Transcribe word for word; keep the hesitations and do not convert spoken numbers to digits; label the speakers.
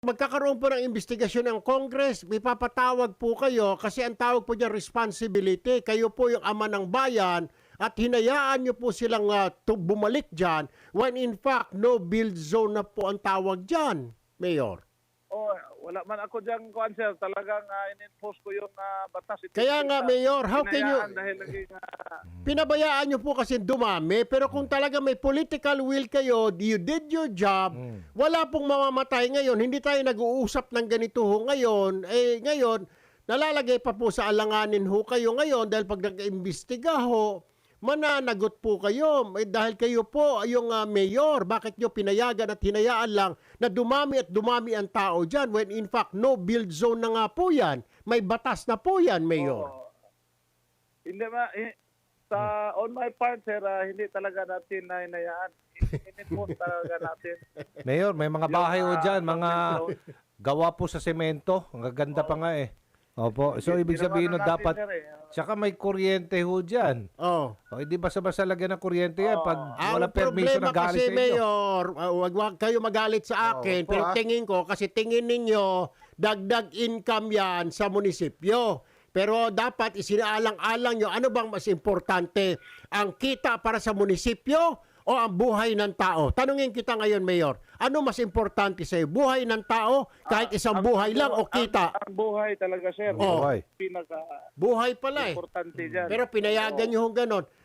Speaker 1: Magkakaroon po ng investigasyon ng Congress, ipapatawag po kayo kasi ang tawag po niya responsibility. Kayo po yung ama ng bayan at hinayaan niyo po silang uh, bumalik dyan when in fact no build zone na po ang tawag dyan, Mayor.
Speaker 2: Oh, wala man ako diyan kuan sir, talagang uh, in-enforce ko yung uh, batas. Ito,
Speaker 1: Kaya nga, Mayor, how can you...
Speaker 2: Dahil naging, uh,
Speaker 1: Pinabayaan nyo po kasi dumami, pero kung talaga may political will kayo, you did your job, mm. wala pong mamamatay ngayon. Hindi tayo nag-uusap ng ganito ho ngayon. Eh, ngayon, nalalagay pa po sa alanganin ho kayo ngayon dahil pag nag-imbestiga ho, mananagot po kayo. Eh, dahil kayo po yung uh, mayor, bakit nyo pinayagan at hinayaan lang na dumami at dumami ang tao dyan when in fact no build zone na nga po yan. May batas na po yan, Mayor.
Speaker 2: Oh, hindi ma... Eh, sa on my part, sir, uh, hindi talaga natin na hinayaan. In-enforce talaga natin.
Speaker 3: Mayor, may mga bahay ho dyan, mga gawa po sa semento. Ang gaganda pa nga eh. Opo. So, ibig sabihin no, dapat, tsaka may kuryente ho dyan.
Speaker 1: Oh.
Speaker 3: O, hindi basta-basta lagyan ng kuryente yan pag
Speaker 1: Ang
Speaker 3: wala permiso na galit
Speaker 1: kasi,
Speaker 3: sa inyo.
Speaker 1: Mayor, uh, wag, wag kayo magalit sa akin,
Speaker 3: Oh,
Speaker 1: pero
Speaker 3: ah.
Speaker 1: tingin ko, kasi tingin ninyo, dagdag income yan sa munisipyo. Pero dapat isinaalang-alang nyo, ano bang mas importante? Ang kita para sa munisipyo o ang buhay ng tao? Tanungin kita ngayon, Mayor. Ano mas importante sa'yo? Buhay ng tao, kahit isang
Speaker 2: ang,
Speaker 1: buhay
Speaker 2: ang,
Speaker 1: lang o kita?
Speaker 2: Ang, ang buhay talaga, sir.
Speaker 1: Oh.
Speaker 3: Buhay.
Speaker 2: Pinaka
Speaker 1: Buhay pala eh.
Speaker 2: importante dyan.
Speaker 1: Pero pinayagan nyo hong ganon.